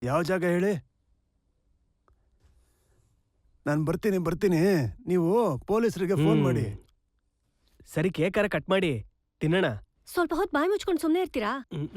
ಯಾವ ಜಾಗ ಹೇಳಿ? ನಾನು ಬರ್ತೀನಿ. ನೀವು ಪೊಲೀಸರಿಗೆ ಫೋನ್ ಮಾಡಿ. ಸರಿ, ಕೇಕಾರ ಕಟ್ ಮಾಡಿ ತಿನ್ನೋಣ. ಸ್ವಲ್ಪ ಹೊತ್ತು ಬಾಯಿ ಮುಚ್ಕೊಂಡು ಸುಮ್ಮನೆ ಇರ್ತೀರಾ?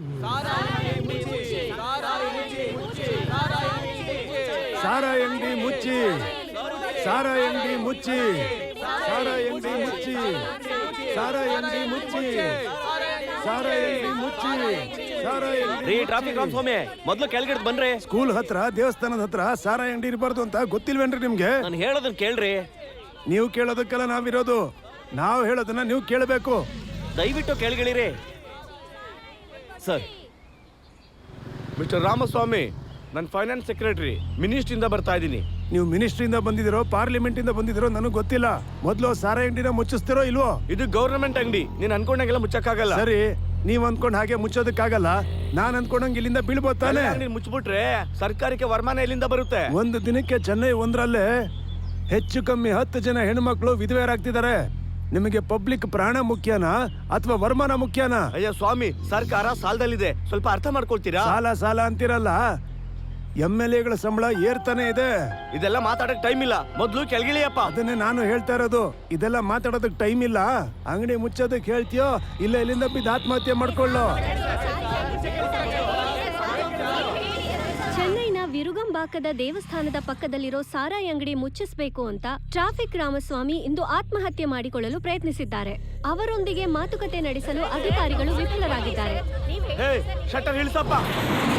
ಸಾರಾಯಿ ಅಂಗಡಿ ಮುಚ್ಚಿ, ಸಾರಾಯಿ ಅಂಗಡಿ ಮುಚ್ಚಿ, ಸಾರಾಯಿ ಅಂಗಡಿ ಮುಚ್ಚಿ, ಸಾರಾಯಿ ಅಂಗಡಿ ಮುಚ್ಚಿ, ಸಾರಾಯಿ ಅಂಗಡಿ ಮುಚ್ಚಿ. ಟ್ರಾಫಿಕ್ ರಾಮ್ ಸ್ವಾಮಿ, ಮೊದ್ಲು ಕೆಳಗಡೆ ಬನ್ರಿ. ಸ್ಕೂಲ್ ಹತ್ರ, ದೇವಸ್ಥಾನದ ಹತ್ರ ಸಾರಾಯಿ ಅಂಗಡಿ ಇರಬಾರ್ದು ಅಂತ ಗೊತ್ತಿಲ್ವೇನ್ರಿ ನಿಮ್ಗೆ? ನಾನು ಹೇಳೋದನ್ನ ಕೇಳ್ರಿ. ನೀವು ಕೇಳೋದಕ್ಕೆಲ್ಲ ನಾವಿರೋದು. ನಾವು ಹೇಳೋದನ್ನ ನೀವು ಕೇಳಬೇಕು. ದಯವಿಟ್ಟು ಕೆಳಗಿಳಿರಿ ಸರ್. ಮಿಸ್ಟರ್ ರಾಮಸ್ವಾಮಿ, ನಾನು ಫೈನಾನ್ಸ್ ಸೆಕ್ರೆಟರಿ, ಮಿನಿಸ್ಟ್ರಿಂದ ಬರ್ತಾ ಇದ್ದೀನಿ. ನೀವು ಮಿನಿಸ್ಟ್ರಿಯಿಂದ ಬಂದಿದಿರೋ, ಪಾರ್ಲಿಮೆಂಟ್ ಇಂದ ಬಂದಿದಿರೋ ನನಗೆ ಗೊತ್ತಿಲ್ಲ. ಮೊದಲು ಸಾರಾಯಿ ಅಂಗಡಿನ ಮುಚ್ಚಿಸ್ತಿರೋ ಇಲ್ವೋ? ಇದು ಗವರ್ನಮೆಂಟ್ ಅಂಗಡಿ, ನೀನ್ ಅನ್ಕೊಂಡಂಗೆಲ್ಲ ಮುಚ್ಚಕ್ಕಾಗಲ್ಲ. ಸರಿ, ನೀವ್ ಅನ್ಕೊಂಡ್ ಹಾಗೆ ಮುಚ್ಚೋದಕ್ಕಾಗಲ್ಲ. ನಾನ್ ಅನ್ಕೊಂಡಂಗೆ ಇಲ್ಲಿಂದ ಬೀಳ್ಬೋದು ತಾನೆ? ಮುಚ್ಚಿಬಿಟ್ರೆ ಸರ್ಕಾರಕ್ಕೆ ವರಮಾನ ಎಲ್ಲಿಂದ ಬರುತ್ತೆ? ಒಂದು ದಿನಕ್ಕೆ ಚೆನ್ನೈ ಒಂದರಲ್ಲೇ ಹೆಚ್ಚು ಕಮ್ಮಿ 10 ಜನ ಹೆಣ್ಮಕ್ಳು ವಿಧವೆಯರಾಗ್ತಿದ್ದಾರೆ. ನಿಮಗೆ ಪಬ್ಲಿಕ್ ಪ್ರಾಣ ಮುಖ್ಯನಾ ಅಥವಾ ವರಮಾನ ಮುಖ್ಯನಾ? ಅಯ್ಯ ಸ್ವಾಮಿ, ಸರ್ಕಾರ ಸಾಲದಲ್ಲಿದೆ, ಸ್ವಲ್ಪ ಅರ್ಥ ಮಾಡ್ಕೊಳ್ತೀರಾ? ಸಾಲ ಅಂತಿರಲ್ಲ, MLAಗಳ ಸಂಬಳ ಏರ್ತಾನೆ ಇದೆ. ಇದೆಲ್ಲ ಮಾತಾಡಕ್ ಟೈಮ್ ಇಲ್ಲ, ಮೊದ್ಲು ಕೆಳಗಿಳಿಯಪ್ಪ. ಅದನ್ನೇ ನಾನು ಹೇಳ್ತಾ ಇರೋದು. ಇದೆಲ್ಲ ಮಾತಾಡೋದಕ್ ಟೈಮ್ ಇಲ್ಲ. ಅಂಗಡಿ ಮುಚ್ಚೋದಕ್ ಹೇಳ್ತೀಯೋ ಇಲ್ಲ ಇಲ್ಲಿಂದ ಬಿದ್ದು ಆತ್ಮಹತ್ಯೆ ಮಾಡ್ಕೊಳ್ಳೋ. ಚೆನ್ನೈನ ವಿರುಗಂಬಾಕದ ದೇವಸ್ಥಾನದ ಪಕ್ಕದಲ್ಲಿರೋ ಸಾರಾಯಿ ಅಂಗಡಿ ಮುಚ್ಚಿಸಬೇಕು ಅಂತ ಟ್ರಾಫಿಕ್ ರಾಮಸ್ವಾಮಿ ಇಂದು ಆತ್ಮಹತ್ಯೆ ಮಾಡಿಕೊಳ್ಳಲು ಪ್ರಯತ್ನಿಸಿದ್ದಾರೆ. ಅವರೊಂದಿಗೆ ಮಾತುಕತೆ ನಡೆಸಲು ಅಧಿಕಾರಿಗಳು ವಿಫಲರಾಗಿದ್ದಾರೆ. ಶಟರ್ ಇಳಿಸಪ್ಪ.